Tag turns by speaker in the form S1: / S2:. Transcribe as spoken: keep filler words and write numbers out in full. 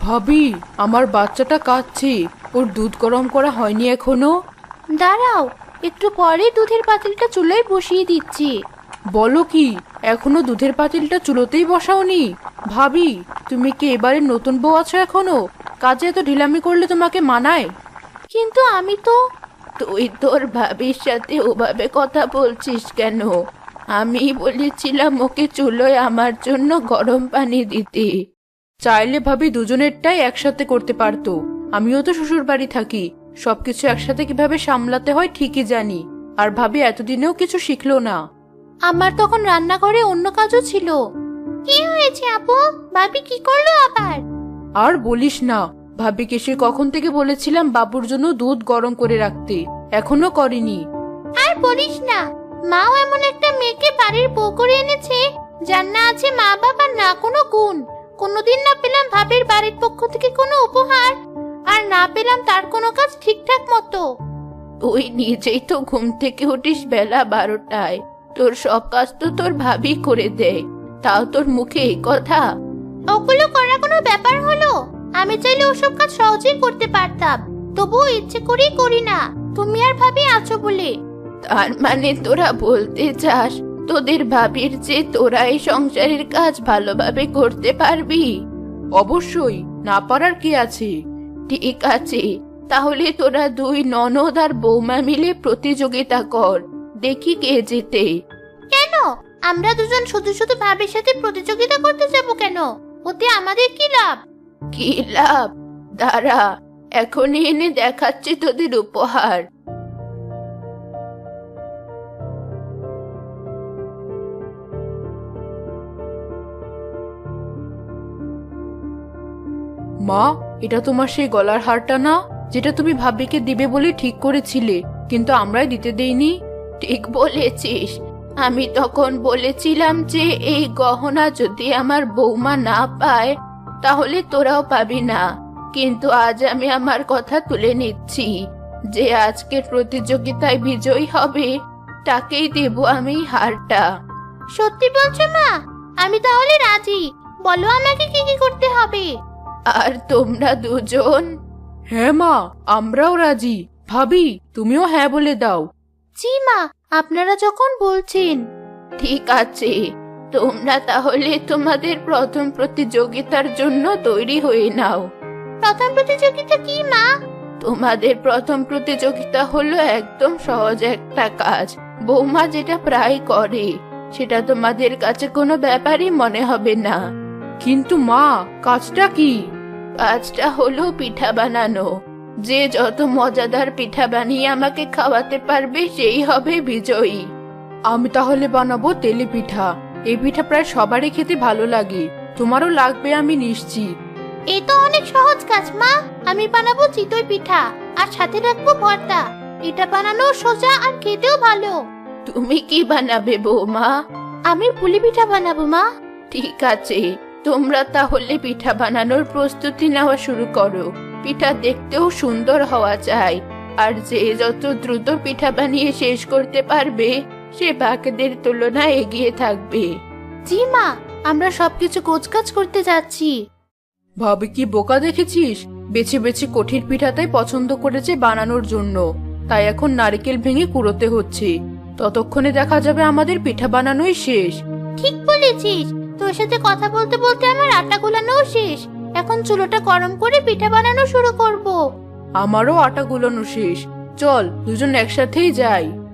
S1: ভাবি, আমার বাচ্চাটা কাঁদছে, ওর দুধ গরম করা হয়নি এখনো।
S2: দাঁড়াও, একটু পরে দুধের পাতিলটা চুলোয় বসিয়ে দিচ্ছি।
S1: বলো কি, এখনো দুধের পাতিলটা চুলোতেই বসাওনি? ভাবি, তুমি কি এবারে নতুন বউ আছো এখনো? কাজে এত ঢিলামি করলে তোমাকে মানায়?
S2: কিন্তু আমি তো
S1: তুই তোর ভাবির সাথে ওভাবে কথা বলছিস কেন? আমি বলেছিলাম ওকে চুলোয় আমার জন্য গরম পানি দিতে। চাইলে ভাবি দুজনেরটাই একসাথে করতে পারতো। আমিও তো শ্বশুর বাড়ি থাকি, সবকিছু একসাথে কিভাবে সামলাতে হয় ঠিকই জানি। আর ভাবি এতদিনেও কিছু শিখলো না।
S2: আমার তখন রান্নাঘরে অন্য কাজও ছিল। কি হয়েছে আপু? ভাবি কি করলো আবার?
S1: আর বলিস না, ভাবিকে সে কখন থেকে বলেছিলাম বাবুর জন্য দুধ গরম করে রাখতে, এখনো করেনি।
S2: আর বলিস না, মাও এমন একটা মেয়েকে বাড়ির বউ করে এনেছে যার না আছে মা বাবার না কোনো গুণ। কোনোদিন না পেলাম ভাবির বাড়ির পক্ষ থেকে কোনো উপহার, আর না পেলাম তার কোনো কাজ ঠিকঠাক মতো।
S1: তুই নিজেই তো ঘুম থেকে উঠিস বেলা বারোটায়, তোর সব কাজ তো তোর ভাবি করে দেয়, তাও তোর মুখে এই কথা?
S2: ওগুলো করা কোনো ব্যাপার হলো? আমি চাইলে ওসব কাজ সহজেই করতে পারতাম, তবুও ইচ্ছে করেই করি না, তুমি আর ভাবি আছো বলে।
S1: তার মানে তোরা বলতে চাস তোদের ভাবির যে তোরা এই সংসারের কাজ ভালোভাবে করতে পারবি? অবশ্যই, না পারার কি আছে। ঠিক আছে, তাহলে তোরা দুই ননদ আর বৌমা মিলে প্রতিযোগিতা কর, দেখি কে জেতে।
S2: কেন আমরা দুজন শুধু শুধু ভাবির সাথে প্রতিযোগিতা করতে যাব কেন? ওতে আমাদের কি লাভ?
S1: কি লাভ? দাঁড়া, এখনই এনে দেখাচ্ছি তোদের উপহার। মা, এটা তোমার সেই গলার হারটা না, যেটা তুমি ভাবিকে দিবে বলে ঠিক করেছিলে, কিন্তু আমরাই দিতে দেইনি? ঠিক বলেছিস, আমি তখন বলেছিলাম যে এই গহনা যদি আমার বৌমা না পায় তাহলে তোরাও পাবি না, কিন্তু আজ আমি আমার কথা তুলে নিচ্ছি, যে আজকের প্রতিযোগিতায় বিজয়ী হবে তাকেই দেব আমি হারটা।
S2: সত্যি বলছো মা? আমি তাহলে রাজি, বলো আমাকে কি কি করতে হবে।
S1: আর তোমরা দুজন? হ্যাঁ মা, আমরাও রাজি। ভাবি, তুমিও হ্যাঁ বলে দাও।
S2: জি মা, আপনারা যখন বলছেন।
S1: ঠিক আছে, তোমরা তাহলে তোমাদের প্রথম প্রতিযোগিতার জন্য তৈরি হয়ে নাও।
S2: প্রথম প্রতিযোগিতা কি মা?
S1: তোমাদের প্রথম প্রতিযোগিতা হলো একদম সহজ একটা কাজ, বৌমা যেটা প্রায় করে, সেটা তোমাদের কাছে কোনো ব্যাপারই মনে হবে না। কিন্তু মা, কাজটা কি? কাজটা হলো পিঠা বানানো। যে যত মজাদার পিঠা বানিয়ে আমাকে খাওয়াতে পারবে সেই হবে বিজয়ী। আমি তাহলে বানাবো তেলে পিঠা। এই পিঠা প্রায় সবারই খেতে ভালো লাগে, তোমারও লাগবে আমি নিশ্চিত।
S2: এই তো অনেক সহজ কাজ মা, আমি বানাবো চিতই পিঠা আর সাথে রাখবো ভর্তা। এটা বানানো সোজা আর খেতেও ভালো।
S1: তুমি কি বানাবে বৌমা?
S2: আমি পুলি পিঠা বানাবো মা।
S1: ঠিক আছে, তোমরা তাহলে পিঠা বানানোর প্রস্তুতি নেওয়া শুরু করো। পিঠা দেখতেও সুন্দর হওয়া চাই, আর যে যত দ্রুত পিঠা বানিয়ে শেষ করতে পারবে সে বাকিদের তুলনায় এগিয়ে থাকবে।
S2: জি মা, আমরা সবকিছু গোছগাছ করতে যাচ্ছি।
S1: ভাবি কি বোকা দেখেছিস? বেছে বেছে কঠিন পিঠাটাই পছন্দ করেছে বানানোর জন্য, তাই এখন নারকেল ভেঙে কুড়োতে হচ্ছে। ততক্ষণে দেখা যাবে আমাদের পিঠা বানানোই শেষ।
S2: ঠিক বলেছিস, তোর সাথে কথা বলতে বলতে আমার আটা গোলানোও শেষ। এখন চুলোটা গরম করে পিঠা বানানো শুরু করব।
S1: আমারও আটা গুলানো শেষ, চল দুজন একসাথেই যাই।